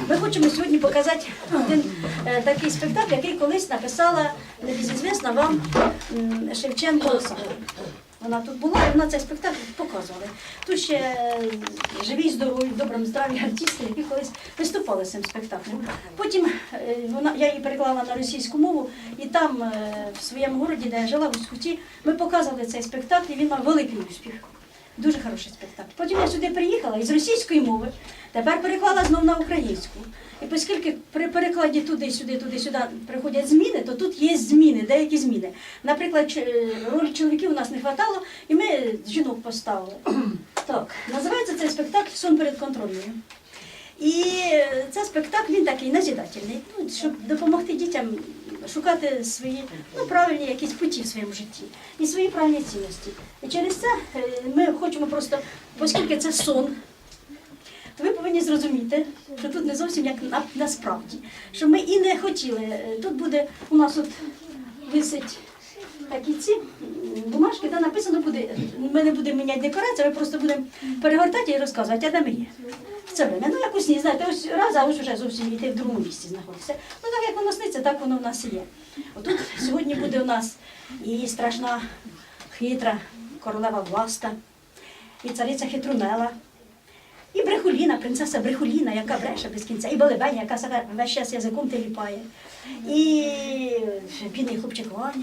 Ми хочемо сьогодні показати один такий спектакль, який колись написала небезізвісна вам Шевченко Оксана. Вона тут була і вона цей спектакль показувала. Тут ще живі, здорові, в доброму здраві артисти, які колись виступали з цим спектаклем. Потім я її переклала на російську мову, і там, в своєму місті, де я жила, в Усть-Куті, ми показували цей спектакль, і він мав великий успіх. Дуже хороший спектакль. Потім я сюди приїхала із російської мови, тепер переклала знову на українську. І оскільки при перекладі туди-сюди приходять зміни, то тут є зміни, деякі зміни. Наприклад, роль чоловіків у нас не вистачало, і ми жінок поставили. Так, називається цей спектакль «Сон перед контрольною». І цей спектакль, він такий назидательний, щоб допомогти дітям шукати свої правильні якісь путі в своєму житті і свої правильні цінності. І через це ми хочемо просто, оскільки це сон, то ви повинні зрозуміти, що тут не зовсім як насправді. Що ми і не хотіли. Тут буде, у нас от висить такі ці бумажки, де написано буде, ми не будемо міняти декорацію, ми просто будемо перегортати і розказувати, а де ми є. Це время. Ну, як у сні, знаєте, ось раз, а ось вже зовсім йти в другому місці знаходиться. Ну, так як воно сниться, так воно в нас і є. Отут сьогодні буде у нас і страшна, хитра королева Власта, і цариця Хитрунела, і Брехуліна, принцеса Брехуліна, яка бреше без кінця, і Белебеня, яка себе весь час язиком теліпає, і бідний хлопчик Ваня,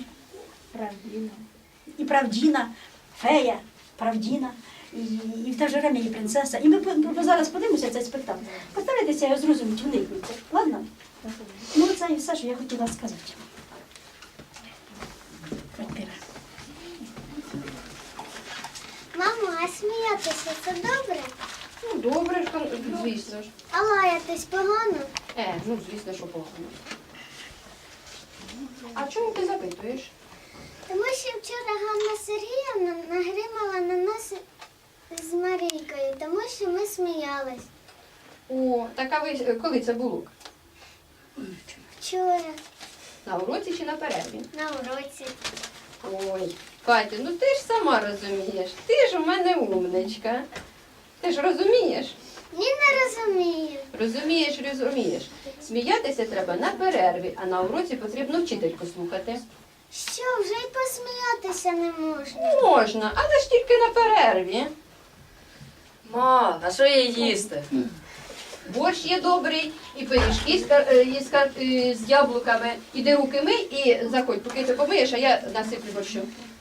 і Правдіна, фея, Правдіна. І в те ж время і принцеса. І ми зараз подивимося цей спектакль. Постарайтеся його зрозуміти, вникнути. Ладно? Ну, це і все, що я хотіла сказати. Мамо, а сміятися це добре? Ну, добре, звісно ж. А лаятись погано? Ну, звісно, що погано. А чому ти запитуєш? Тому що вчора Ганна Сергіївна нагримала на нас з Марійкою, тому що ми сміялись. О, так а ви коли це було? Вчора На уроці чи на перерві? на уроці. Ой, Катя, ну ти ж сама розумієш. Ти ж у мене умничка. Ти ж розумієш? Ні, не розумію. Розумієш. Сміятися треба на перерві, а на уроці потрібно вчительку слухати. Що, вже й посміятися не можна? Можна, але ж тільки на перерві. Ма, а що є їсти? Борщ є добрий, і пиріжки з яблуками. Іди руки мий і заходь, поки ти помиєш, а я насиплю борщу.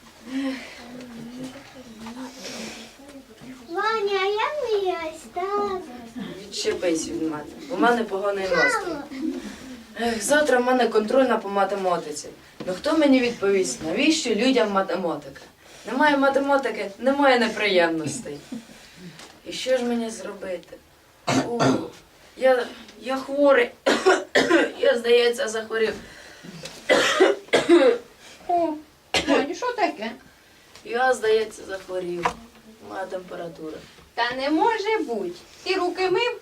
Ваня, а я вміюсь, так. Відчепись від мене. У мене поганий настрій. Завтра в мене контрольна по математиці. Ну хто мені відповість, навіщо людям математика? Немає математики, немає неприємностей. І що ж мені зробити? О, я хворий. Я, здається, захворів. О, Ваню, що таке? Я, здається, захворів. Моя температура. Та не може бути. Ти руки мив?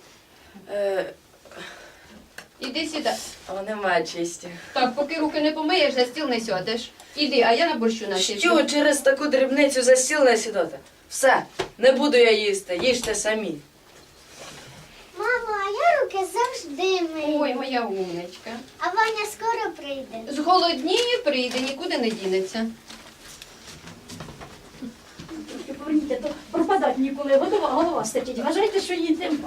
Іди сюди. А немає чисті. Так, поки руки не помиєш, за стіл не сядеш. Іди, а я на борщу насиплю. Що, через таку дрібницю за стіл не сідати? Все, не буду я їсти, їжте самі. Мамо, а я руки завжди мию. Ой, моя умничка. А Ваня скоро прийде. Зголодніє, прийде, нікуди не дінеться. Трошки поверніть, а то пропадать ніколи, голова стечить. Вважайте, що її нема.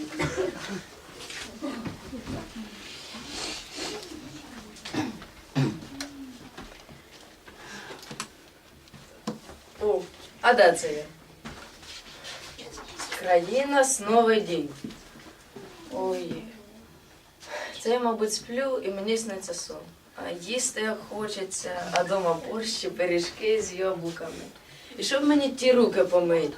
О, а де це я? Країна сновий дім. Ой. Це я, мабуть, сплю і мені сниться сон. А їсти як хочеться, а дома борщі, пиріжки з яблуками. І щоб мені ті руки помити.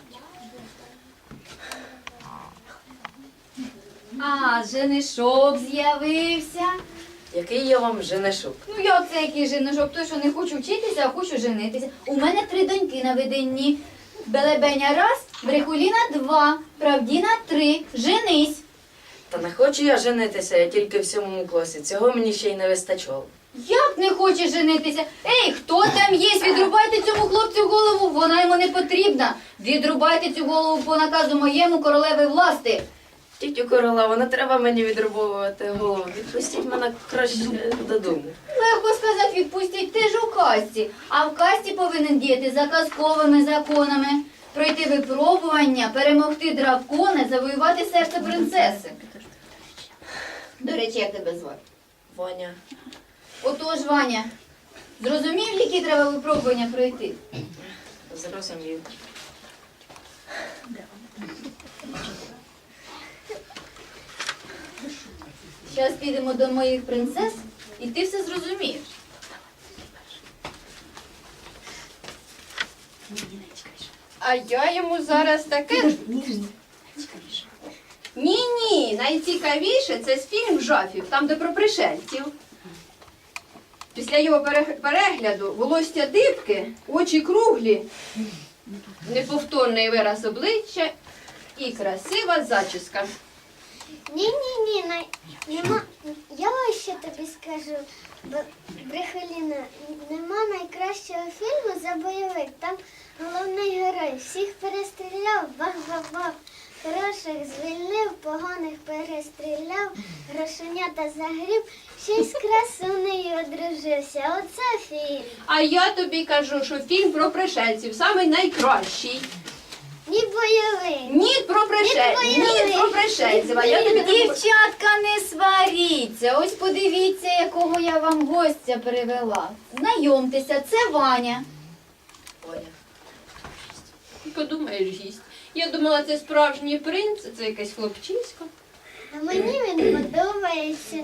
А, женишок з'явився. Який я вам женишок? Ну як це який женишок? Той, що не хочу вчитися, а хочу женитися. У мене 3 доньки на виданні. Белебеня 1, Брехуліна 2, Правдіна 3. Женись. Та не хочу я женитися, я тільки в 7 класі. Цього мені ще й не вистачало. Як не хочеш женитися? Ей, хто там є? Відрубайте цьому хлопцю голову, вона йому не потрібна. Відрубайте цю голову по наказу моєму королеви Власти. Тітю Королеву, не треба мені відрубовувати голову. Відпустіть мене краще додому. Легко сказати, відпустіть, ти ж у касті. А в касті повинен діяти за казковими законами. Пройти випробування, перемогти дракона, завоювати серце принцеси. До речі, як тебе звати? Ваня. Отож, Ваня, зрозумів, які треба випробування пройти? Зрозумів. Зараз підемо до моїх принцес, і ти все зрозумієш. А я йому зараз таке. Ні, найцікавіше це фільм Жафів, там де про пришельців. Після його перегляду волосся дибки, очі круглі, неповторний вираз обличчя і красива зачіска. Ні, нема. Я ось що тобі скажу, Брехоліна, нема найкращого фільму за бойовик. Там головний герой всіх перестріляв, бах-бах-бах. Хороших звільнив, поганих перестріляв, грошенята загріб, ще й з красунею одружився. Оце фільм. А я тобі кажу, що фільм про пришельців самий найкращий. Ні бойовик. Ні про пришельців. А я тобі кажу, Дівчатка, не сваріться. Ось подивіться, якого я вам гостя привела. Знайомтеся, це Ваня. Ваня. подумаєш, гість. Я думала, це справжній принц, це якесь хлопчисько. А мені він подобається.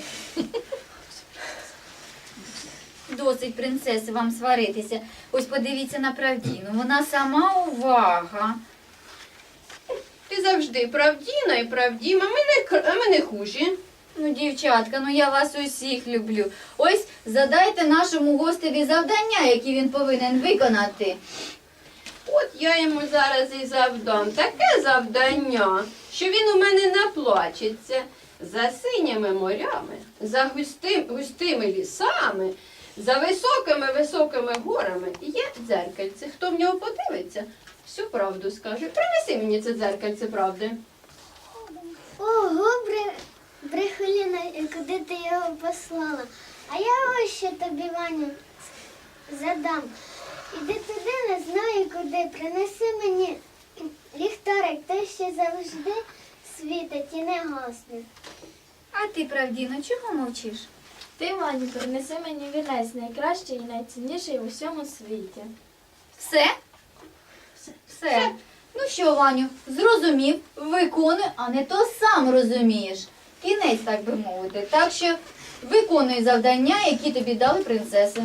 Досить, принцеси, вам сваритися. Ось подивіться на Правдіну. Вона сама увага. Ти завжди правдіна і правдіма, а ми не хужі. Ну, дівчатка, ну я вас усіх люблю. Ось задайте нашому гостеві завдання, які він повинен виконати. От я йому зараз і завдам таке завдання, що він у мене наплачеться. За синіми морями, за густими лісами, за високими горами є дзеркальце. Хто в нього подивиться, всю правду скаже. Принеси мені це дзеркальце правди. Ого, Брехоліна, куди ти його послала? А я ось що тобі, Ваню, задам. Іди туди, не знаю куди. Принеси мені ліхтарик, той ще завжди світить і не гасне. А ти, Правдіно, чого мовчиш? Ти, Ваню, принеси мені вінець найкращий і найцінніший у всьому світі. Все? Все. Ну що, Ваню, зрозумів, виконуй, а не то сам розумієш. Кінець, так би мовити. Так що виконуй завдання, які тобі дали принцеси.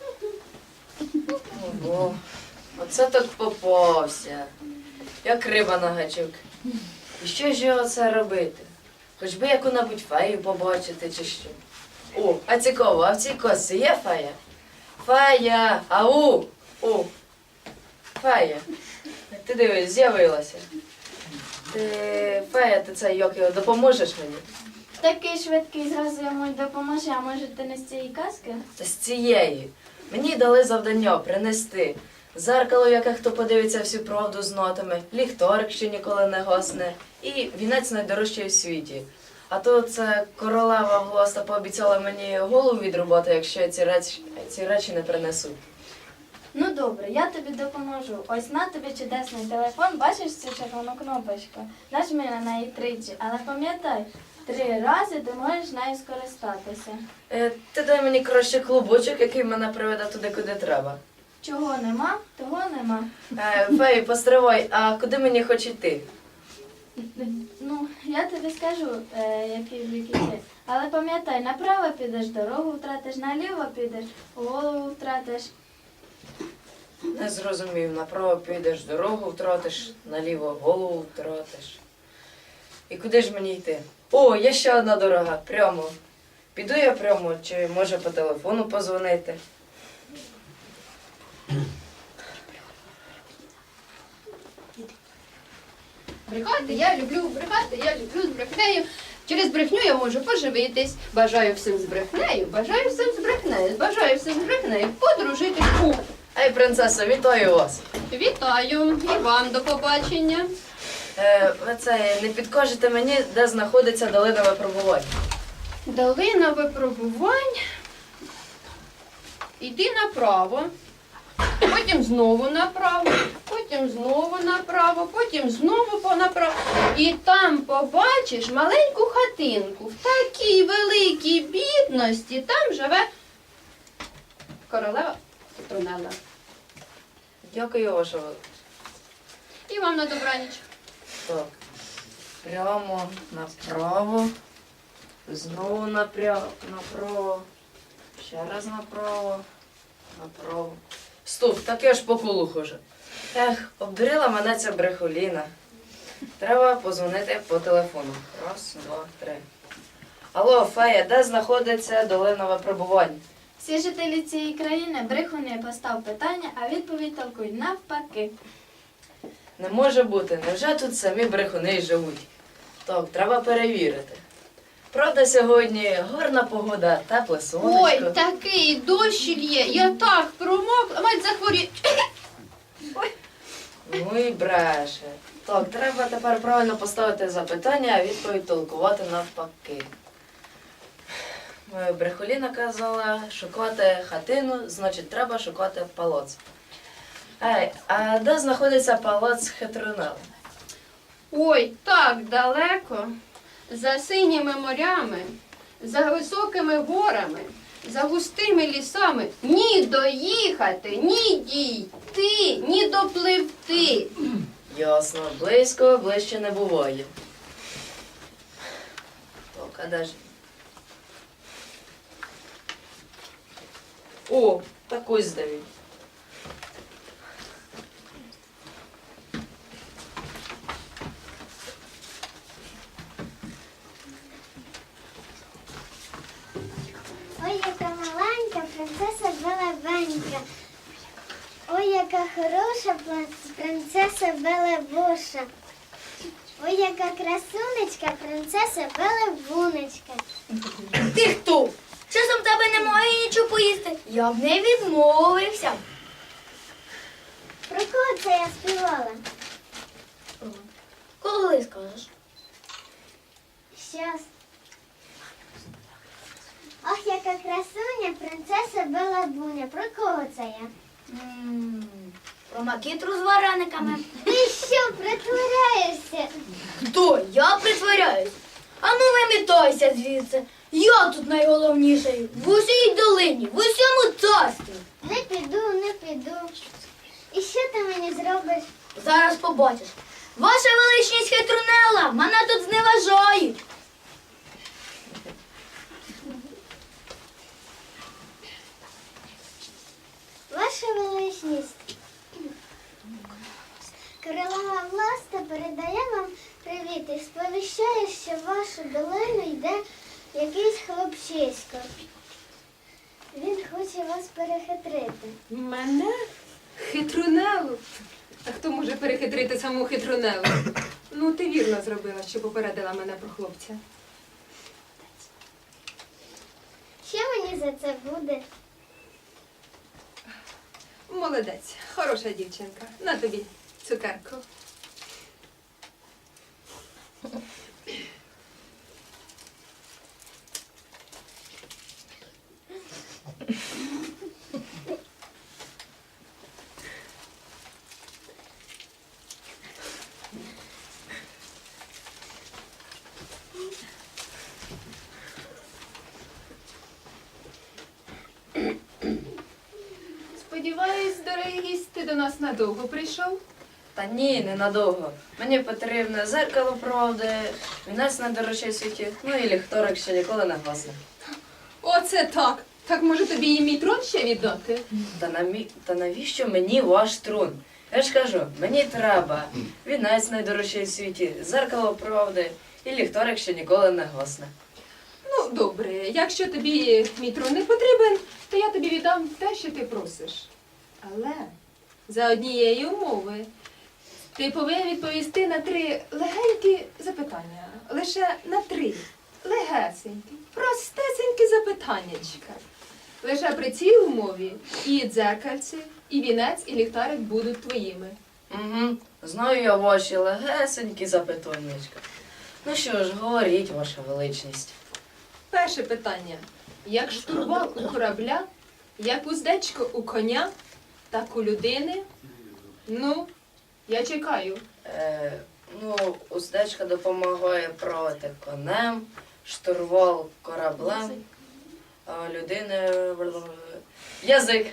Ого, оце так попався. Як риба на гачок. І що ж його це робити? Хоч би яку-небудь фею побачити чи що. О, а цікаво, а в цій косці є фея? Фея! Ау! О! Фея! Ти дивись, з'явилася. Фея, ти це як його допоможеш мені? Такий швидкий, зразу йому й допоможе, а може ти не з цієї казки? Та з цієї. Мені дали завдання принести зеркало, в яке хто подивиться всю правду знатиме, ліхтарик, що ніколи не гасне, і вінець найдорожчий у світі. А то це королева Глоста пообіцяла мені голову відрубати, якщо я ці речі не принесу. Ну добре, я тобі допоможу. Ось на тобі чудесний телефон, бачиш цю червону кнопочку? Нажми на неї тричі, але пам'ятай, 3 рази ти можеш нею скористатися. Ти дай мені краще клубочок, який мене приведе туди, куди треба. Чого нема, того нема. Феї, постривай, а куди мені хоч йти? Ну, я тобі скажу, який бік іти. Але пам'ятай, направо підеш, дорогу втратиш, наліво підеш, голову втратиш. Не зрозумів, направо підеш, дорогу втратиш, наліво голову втратиш. І куди ж мені йти? О, є ще одна дорога, прямо. Піду я прямо, чи може по телефону позвонити? Брехати я люблю з брехнею. Через брехню я можу поживитись. Бажаю всім з брехнею, бажаю всім з брехнею, бажаю всім з брехнею подружитись. Ей, принцесо, вітаю вас! Вітаю і вам до побачення. Ви це не підкажете мені, де знаходиться долина випробувань? Долина випробувань. Іди направо, потім знову направо, потім знову направо, потім знову направо. І там побачиш маленьку хатинку. В такій великій бідності там живе королева Петрунелла. Дякую, ваша величність. І вам на добраніч. Так. Прямо направо. Знову направо. Ще раз направо. Направо. Стоп, таке ж по колу хоже. Ех, обдурила мене ця брехоліна. Треба позвонити по телефону. Раз, два, три. Алло, Фея, де знаходиться долина випробувань? Всі жителі цієї країни брехуни, постав питання, а відповідь толкують навпаки. Не може бути, невже тут самі брехуни й живуть? Так, треба перевірити. Правда, сьогодні гарна погода, тепле сонечко. Ой, такий дощ лє, я так промокла, мать захворіє. Ну і бреше. Так, треба тепер правильно поставити запитання, а відповідь толкувати навпаки. Брехоліна казала, шукати хатину, значить треба шукати палац. Ей, а де знаходиться палац Хитрунелли? Ой, так далеко, за синіми морями, за високими горами, за густими лісами. Ні доїхати, ні дійти, ні допливти. Ясно, близько, ближче не буває. Так, а де ж? О, так ось де він. Ой, яка маленька принцеса Белебенька. Ой, яка хороша принцеса Белебуша. Ой, яка красунечка принцеса Белебунечка. Ти хто? Часом в тебе немає нічого поїсти. Я б не відмовився. Про кого це я співала? Коли скажеш? Щас. Ох, яка красуня принцеса Белебуня. Про кого це я? Про макітру з варениками. Ти що, притворяєшся? Хто? Я притворяюсь. А ну вимітайся звідси. Я тут найголовніший. В усій долині, в усьому царстві. Не піду, не піду. І що ти мені зробиш? Зараз побачиш. Ваша величність Хитрунелла, мене тут зневажають. Ваша величність. Королева Власта передає вам привіт і сповіщає, що в вашу долину йде якийсь хлопчисько. Він хоче вас перехитрити. Мене? Хитрунелу? А хто може перехитрити саму хитрунелу? Ну, ти вірно зробила, що попередила мене про хлопця. Що мені за це буде? Молодець, хороша дівчинка. На тобі цукерку. Сподіваюсь, дорогий гість, ти до нас надовго прийшов? Та ні, ненадовго. Мені потрібне зеркало правди, вінець найдорожчий в світі, ну і ліхторик, що ніколи не гасне. Оце так! Так може тобі і мій трон ще віддати? Та навіщо мені ваш трон? Я ж кажу, мені треба вінець найдорожчий в світі, зеркало правди і ліхторик, що ніколи не гасне. Ну, добре, якщо тобі мій трон не потрібен, то я тобі віддам те, що ти просиш. Але за однієї умови ти повинен відповісти на 3 легенькі запитання. Лише на 3 легесенькі, простесенькі запитаннячка. Лише при цій умові і дзеркальце, і вінець, і ліхтарик будуть твоїми. Угу. Знаю я ваші легесенькі запитаннячка. Ну що ж, говоріть, ваша величність. Перше питання. Як штурвал у корабля, як уздечко у коня, так у людини? Ну, я чекаю. Ну, уздечка допомагає правити конем, штурвал кораблем, а у людини язик.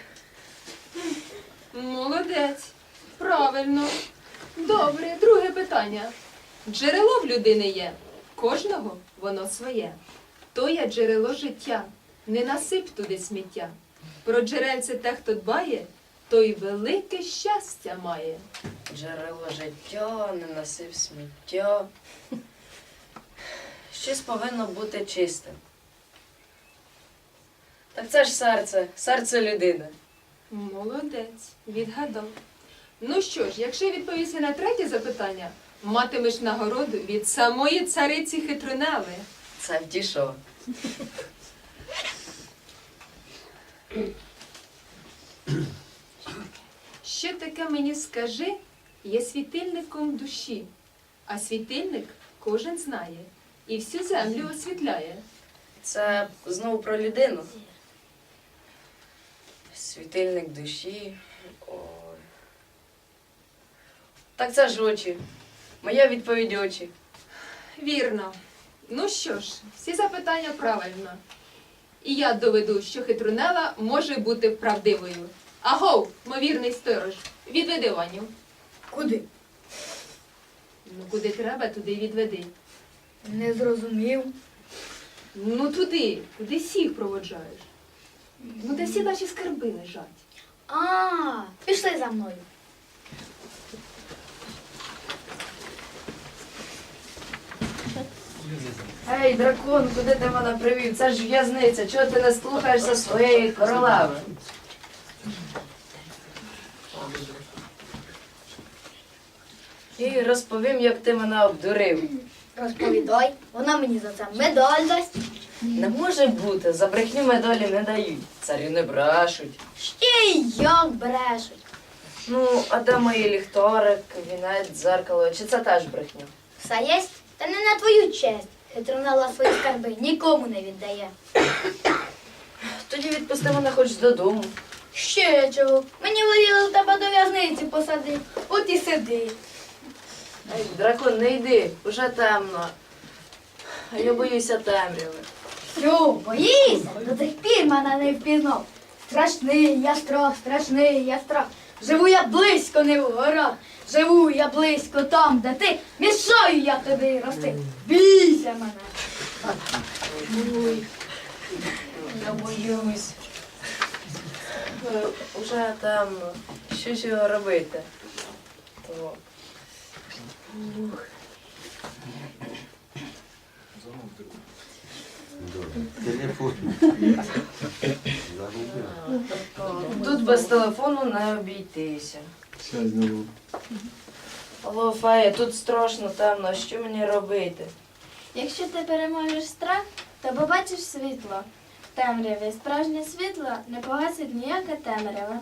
Молодець. Правильно. Добре, друге питання. Джерело в людини є. Кожного воно своє. То є джерело життя. Не насип туди сміття. Про джерельце те, хто дбає, той велике щастя має. Джерело життя, не насип сміття. Щось повинно бути чистим. Так це ж серце людини. Молодець, відгадав. Ну що ж, якщо відповісти на третє запитання, матимеш нагороду від самої цариці Хитрунели. Це втішо. Що таке мені скажи, є світильником душі, а світильник кожен знає і всю землю освітляє. Це знову про людину. Світильник душі. Ой. Так це ж очі. Моя відповідь очі. Вірно. Ну що ж, всі запитання правильно. І я доведу, що Хитрунела може бути правдивою. Агов, мовірний сторож, відведи Ваню. Куди? Ну, куди треба, туди й відведи. Не зрозумів. Ну туди, куди всіх проводжаєш. Ну, де всі наші скарби лежать. А, пішли за мною. Ей, дракон, куди ти мене привів? Це ж в'язниця. Чого ти не слухаєшся своєї королеви? І розповім, як ти мене обдурив. Розповідай, вона мені за це медаль дасть. Не може бути, за брехню медалі не дають. Царі не брешуть. Ще й як брешуть. Ну, а де мої ліхторик, вінець, дзеркало? Чи це теж брехня? Все єсть, та не на твою честь. Хитрунела свої скарби нікому не віддає. Тоді відпусти мене хоч додому. Ще чого? Мені воліли тебе до в'язниці посадити. От і сиди. Ей, дракон, не йди, уже темно. А я боюся темряви. Що, боїшся? До тих пір мене не впізнав. Страшний я страх, страшний я страх. Живу я близько, не в горах. Живу я близько там, де ти. Мішаю я тобі рости. Бійся мене. Ой, я боюсь. Уже темно. Що ж його робити? То... Телефон. Тут без телефону не обійтися. Алло, Фея, тут страшно темно, що мені робити? Якщо ти переможеш страх, то побачиш світло. В темряві справжнє світло не погасить ніяка темрява.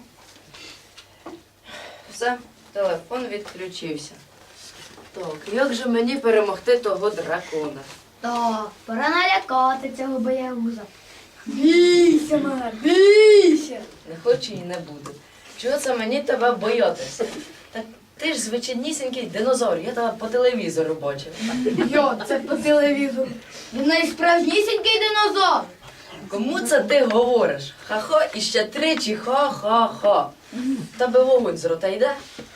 Все, телефон відключився. Так, як же мені перемогти того дракона? Так, пора налякати цього боягуза. Бійся мене, бійся. Не хочу і не буду. Чого це мені тебе боятися? Та ти ж звичайнісінький динозавр, я тебе по телевізору бачив. Йо, це по телевізору. Він найсправжнісінький динозавр. Кому це ти говориш? Ха-ха і ще тричі ха-ха-ха. Тебе вогонь з рота йде?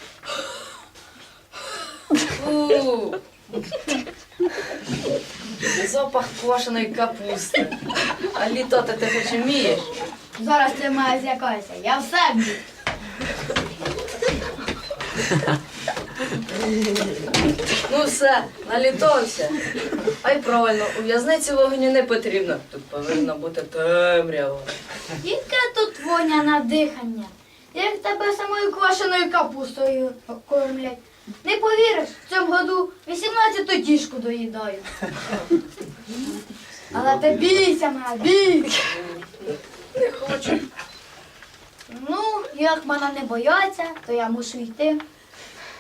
Фу. Запах квашеної капусти. А літати ти хоч вмієш? Зараз ти мене злякайся, я все вмію. Ну все, налітався. А й правильно, у в'язниці вогню не потрібно. Тут повинна бути темрява. Яке тут воня на дихання? Як тебе самою квашеною капустою кормлять. Не повіриш, в цьому году 18-ту тішку доїдаю. Але ти бійся мене, бійся. Не хочу. Ну, як мене не бояться, то я мушу йти.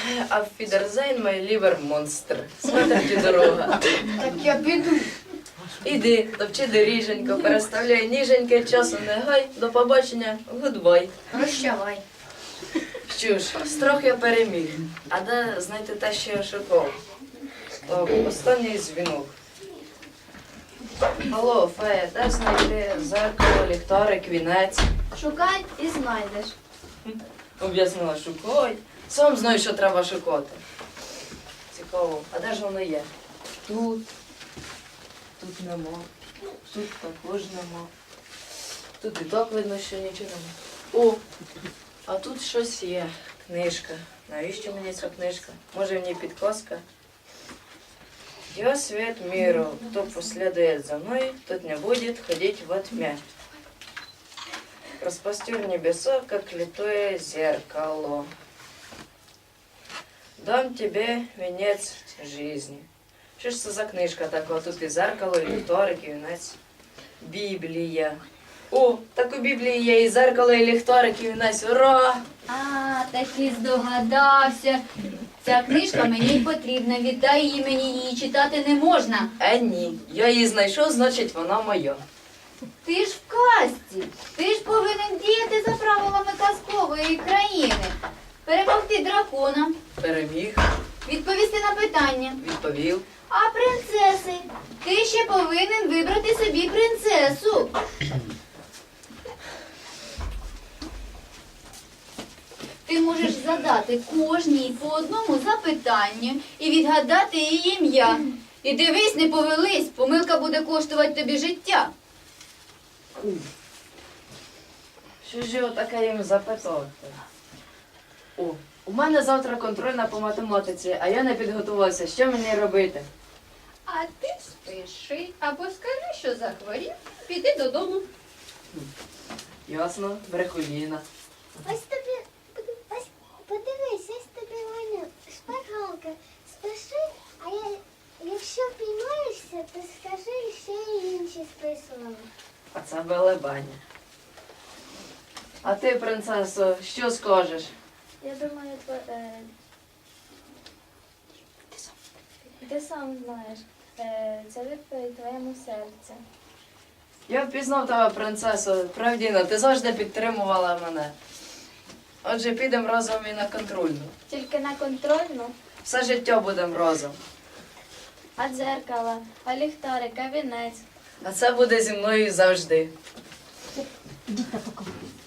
Auf Wiedersehen, mein lieber Monster. Смотрите дорога. Так я піду. Іди, топчи доріженько, переставляй ніженьке, часу не гай, до побачення, гудбай. Прощавай. Що ж, страх я переміг. А де знайти те, що я шукав? Так, останній дзвінок. Алло, Фея, де знайти зеркало, ліхтарик, вінець? Шукай і знайдеш. Об'яснила, шукай. Сам знаю, що треба шукати. Цікаво, а де ж воно є? Тут. Тут нема. Тут також нема. Тут і так видно, що нічого нема. О! А тут щось є. Книжка. Навіщо мені ця книжка? Може в ній підказка? Я свет миру. Кто последует за мной, тот не будет ходить во тьме. Распостер небеса, как литое зеркало. Дам тебе венец жизни. Що ж це за книжка така? Тут і зеркало, і ліхтарик, і вінець. Біблія. О, так у Біблії є і зеркало, і ліхтарик, і вінець. Ура! А, таки здогадався. Ця книжка мені й потрібна. Віддай її мені, її читати не можна. Ні, я її знайшов, значить вона моя. Ти ж в казці. Ти ж повинен діяти за правилами казкової країни. Перемогти дракона, Переміг, відповісти на питання. відповів. А принцеси? Ти ще повинен вибрати собі принцесу. Ти можеш задати кожній по одному запитанню і відгадати її ім'я. І дивись, не повелись, помилка буде коштувати тобі життя. Що ж його таке їм запитати? О, у мене завтра контрольна по математиці, а я не підготувався. Що мені робити? А ти спиши або скажи, що захворів, піди додому. Ясно, брехуліна. Ось тобі, ось подивись, ось тобі Ваня, шпаргалка. Спиши, а якщо піймаєшся, то скажи, ще й інші списували. А це белебаня. А ти, принцесо, що скажеш? Я думаю, ти сам знаєш. Це відповідь твоєму серцю. Я впізнав тебе, принцесо. Правдіна, ти завжди підтримувала мене. Отже, підемо разом і на контрольну. Тільки на контрольну, Все життя будемо разом. а дзеркало, а ліхтарик, а вінець. А це буде зі мною завжди. Ідіть на покой.